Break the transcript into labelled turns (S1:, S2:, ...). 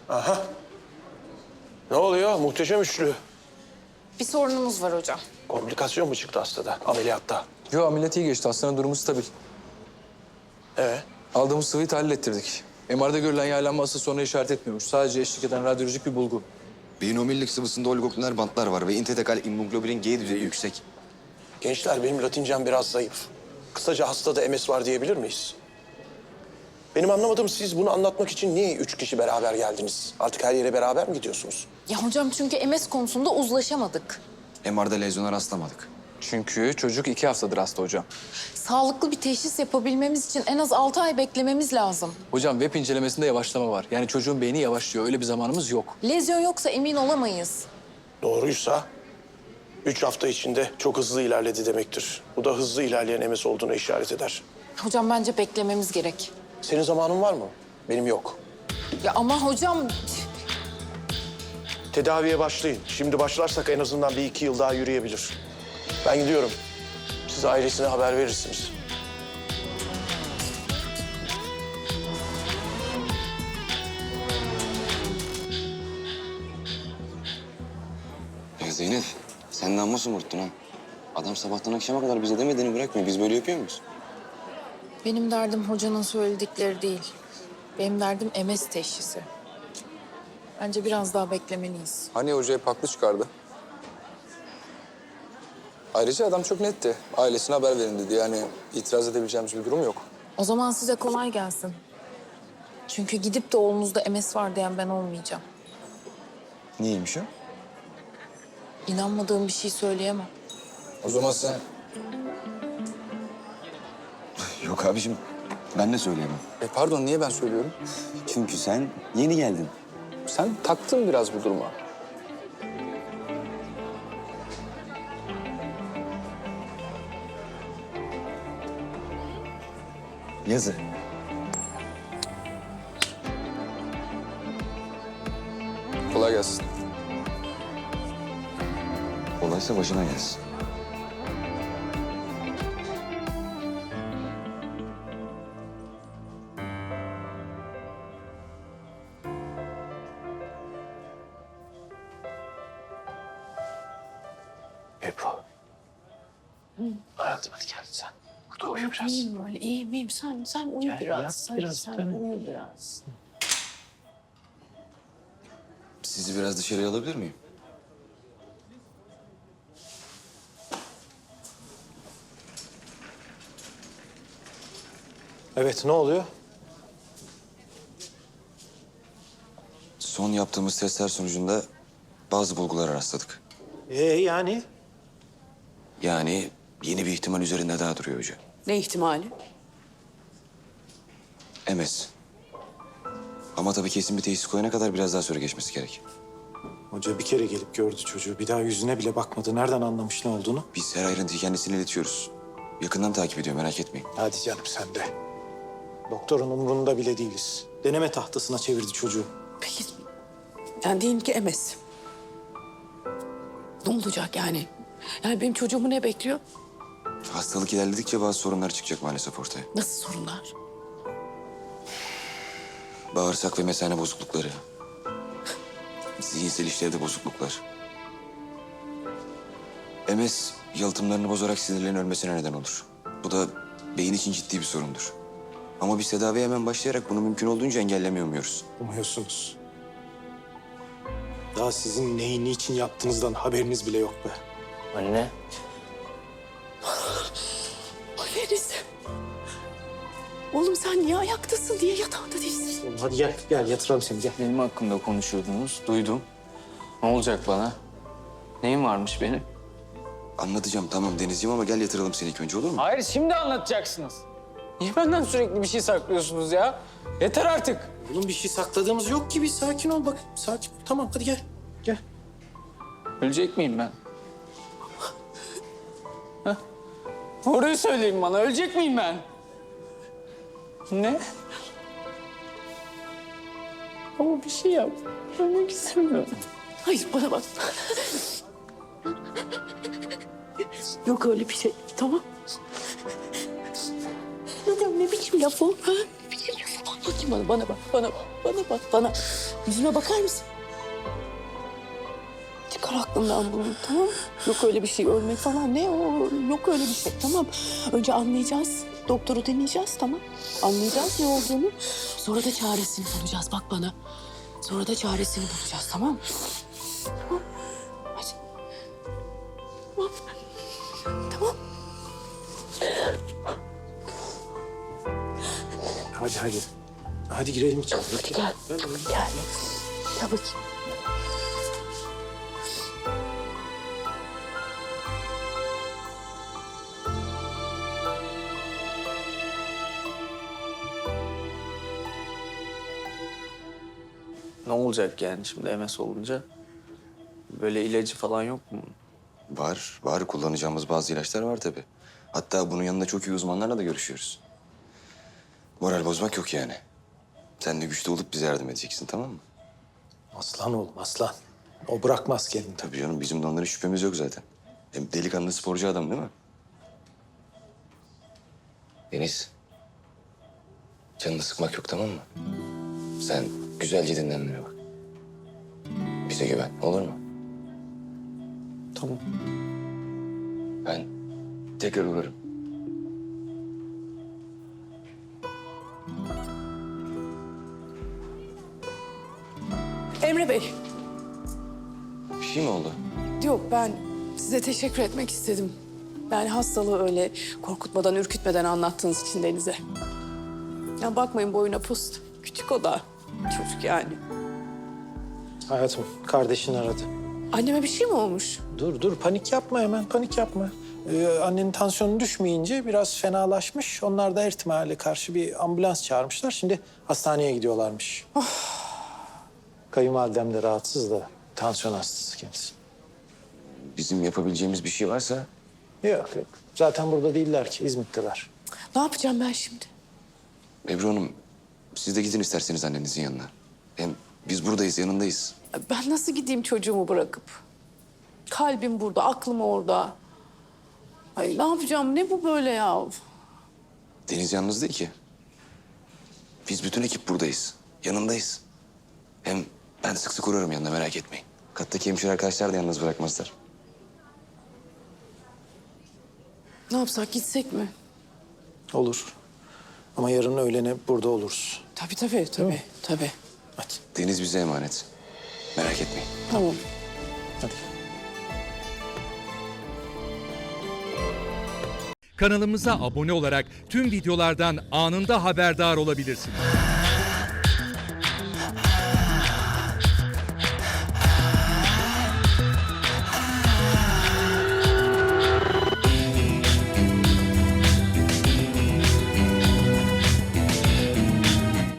S1: Aha. Ne oluyor? Muhteşem üçlü.
S2: Bir sorunumuz var hocam.
S1: Komplikasyon mu çıktı hastada, ameliyatta?
S3: Yo, ameliyat iyi geçti. Hastanın durumu stabil. Aldığımız sıvıyı tahlil ettirdik. MR'da görülen yaylanma asıl sonra işaret etmiyormuş. Sadece eşlik eden radyolojik bir bulgu.
S4: Beyin omurilik sıvısında oligokliner bantlar var ve intratekal immunoglobulin G düzeyi yüksek.
S1: Gençler, benim Latincem biraz zayıf. Kısaca hastada MS var diyebilir miyiz? Benim anlamadığım, siz bunu anlatmak için niye 3 kişi beraber geldiniz? Artık her yere beraber mi gidiyorsunuz?
S2: Ya hocam çünkü MS konusunda uzlaşamadık.
S4: MR'da lezyona rastlamadık.
S3: Çünkü çocuk 2 haftadır hasta hocam.
S2: Sağlıklı bir teşhis yapabilmemiz için en az 6 ay beklememiz lazım.
S3: Hocam web incelemesinde yavaşlama var. Yani çocuğun beyni yavaşlıyor. Öyle bir zamanımız yok.
S2: Lezyon yoksa emin olamayız.
S1: Doğruysa 3 hafta içinde çok hızlı ilerledi demektir. Bu da hızlı ilerleyen MS olduğuna işaret eder.
S2: Hocam bence beklememiz gerek.
S1: Senin zamanın var mı? Benim yok.
S2: Ya ama hocam...
S1: Tedaviye başlayın. Şimdi başlarsak en azından 1-2 yıl daha yürüyebilir. Ben gidiyorum. Siz ailesine haber verirsiniz.
S4: Ya Zeynep, sen amma somurttun ha. Adam sabahtan akşama kadar bize demediğini bırakmıyor. Biz böyle yapıyor muyuz?
S2: Benim derdim hocanın söyledikleri değil. Benim derdim MS teşhisi. Bence biraz daha beklemeliyiz.
S3: Hani hoca hep haklı çıkardı. Ayrıca adam çok netti. Ailesine haber verin dedi. Yani itiraz edebileceğimiz bir durum yok.
S2: O zaman size kolay gelsin. Çünkü gidip de oğlunuzda MS var diyen ben olmayacağım.
S4: Niyeymiş o?
S2: İnanmadığım bir şey söyleyemem.
S3: O zaman sen...
S4: Yok abiciğim, ben de söyleyemem.
S3: Pardon, niye ben söylüyorum?
S4: Çünkü sen yeni geldin.
S3: Sen taktın biraz bu duruma.
S4: Yazı.
S3: Kolay gelsin.
S4: Kolaysa başına gelsin.
S1: Ebru. Hayatım, hadi gel sen. Burada uyu biraz.
S5: İyiyim böyle, iyiyim. Sen uyu
S1: Gel,
S5: biraz.
S1: yat
S5: Sen,
S1: biraz,
S5: sen
S1: tamam.
S5: uyu biraz.
S4: Sizi biraz dışarıya alabilir miyim?
S1: Evet, ne oluyor?
S4: Son yaptığımız testler sonucunda bazı bulgulara rastladık.
S1: Yani?
S4: Yani yeni bir ihtimal üzerinde daha duruyor hoca.
S5: Ne ihtimali?
S4: MS. Ama tabii kesin bir teşhis koyana kadar biraz daha süre geçmesi gerek.
S6: Hoca bir kere gelip gördü çocuğu. Bir daha yüzüne bile bakmadı. Nereden anlamış ne olduğunu?
S4: Biz her ayrıntıyı kendisine iletiyoruz. Yakından takip ediyor, merak etmeyin.
S6: Hadi canım sen de. Doktorun umrunda bile değiliz. Deneme tahtasına çevirdi çocuğu.
S5: Peki, yani diyelim ki MS. Ne olacak yani? Yani benim çocuğumu ne bekliyor?
S4: Hastalık ilerledikçe bazı sorunlar çıkacak maalesef ortaya.
S5: Nasıl sorunlar?
S4: Bağırsak ve mesane bozuklukları. Zihinsel işlevde bozukluklar. MS yalıtımlarını bozarak sinirlerin ölmesine neden olur. Bu da beyin için ciddi bir sorundur. Ama biz tedaviye hemen başlayarak bunu mümkün olduğunca engellemiyor muyuz?
S6: Umuyorsunuz. Daha sizin neyi niçin yaptığınızdan haberiniz bile yok be.
S1: Anne.
S5: Deniz. Oğlum sen niye ayaktasın diye yatağında değilsin.
S6: Oğlum hadi gel yatıralım seni gel.
S7: Benim hakkımda konuşuyordunuz, duydum. Ne olacak bana? Neyim varmış benim?
S4: Anlatacağım tamam Denizciğim ama gel yatıralım seni ilk önce olur mu?
S7: Hayır, şimdi anlatacaksınız. Niye benden sürekli bir şey saklıyorsunuz ya? Yeter artık.
S6: Oğlum bir şey sakladığımız yok ki. Bir sakin ol bak. Sakin ol. Tamam hadi gel. Gel.
S7: Ölecek miyim ben? Hah? Doğruyu söyleyin bana, ölecek miyim ben? Ne? Ama bir şey yap. Ölmek istemiyorum.
S5: Hayır bana bak. Yok öyle bir şey. Tamam. Ne biçim laf o? Ha? Ne biçim laf o? Bakayım bana bak, bana bak, bana. Yüzüme bakar mısın? Çıkar aklından bunu, tamam mı? Yok öyle bir şey, ölmek falan ne o? Yok öyle bir şey, tamam. Önce anlayacağız, doktoru dinleyeceğiz, tamam. Anlayacağız ne olduğunu. Sonra da çaresini bulacağız, bak bana. Sonra da çaresini bulacağız, tamam mı? Tamam. Hadi. Tamam. Tamam.
S6: Hadi. Hadi girelim içeri.
S5: Gel. Gel bakayım.
S7: Ne olacak yani şimdi MS olunca? Böyle ilacı falan yok mu?
S4: Var. Kullanacağımız bazı ilaçlar var tabii. Hatta bunun yanında çok iyi uzmanlarla da görüşüyoruz. Moral bozmak yok yani. Sen de güçlü olup bize yardım edeceksin, tamam mı?
S6: Aslan oğlum aslan. O bırakmaz kendini.
S4: Tabii canım, bizim de onlara şüphemiz yok zaten. Hem delikanlı sporcu adam değil mi? Deniz. Canını sıkmak yok, tamam mı? Sen güzelce dinlenmeye bak. Bize güven, olur mu?
S6: Tamam.
S4: Ben tekrar uğrarım.
S5: Emre Bey.
S4: Bir şey mi oldu?
S5: Yok, ben size teşekkür etmek istedim. Yani hastalığı öyle korkutmadan, ürkütmeden anlattığınız için Deniz'e. Ya bakmayın boyuna post. Küçük o da. Çocuk yani.
S6: Hayatım kardeşin aradı.
S5: Anneme bir şey mi olmuş?
S6: Dur panik yapma hemen panik yapma. Annenin tansiyonu düşmeyince biraz fenalaşmış. Onlar da her ihtimale karşı bir ambulans çağırmışlar. Şimdi hastaneye gidiyorlarmış. Kayınvalidem de rahatsız da tansiyon hastası kendisi.
S4: Bizim yapabileceğimiz bir şey varsa
S6: Yok. Zaten burada değiller ki İzmit'teler.
S5: Ne yapacağım ben şimdi?
S4: Ebru Hanım, siz de gidin isterseniz annenizin yanına. Hem biz buradayız, yanındayız.
S5: Ben nasıl gideyim çocuğumu bırakıp? Kalbim burada, aklım orada. Ay ne yapacağım? Ne bu böyle ya?
S4: Deniz yalnız değil ki. Biz bütün ekip buradayız. Yanındayız. Hem ben sık sık uğrarım yanına, merak etmeyin. Kattaki hemşire arkadaşlar da yalnız bırakmazlar.
S5: Ne yapsak, gitsek mi?
S6: Olur. Ama yarın öğlene burada oluruz.
S5: Tabii.
S6: Hadi.
S4: Deniz bize emanet. Merak etmeyin.
S5: Tamam.
S6: Hadi.
S8: Kanalımıza abone olarak tüm videolardan anında haberdar olabilirsiniz.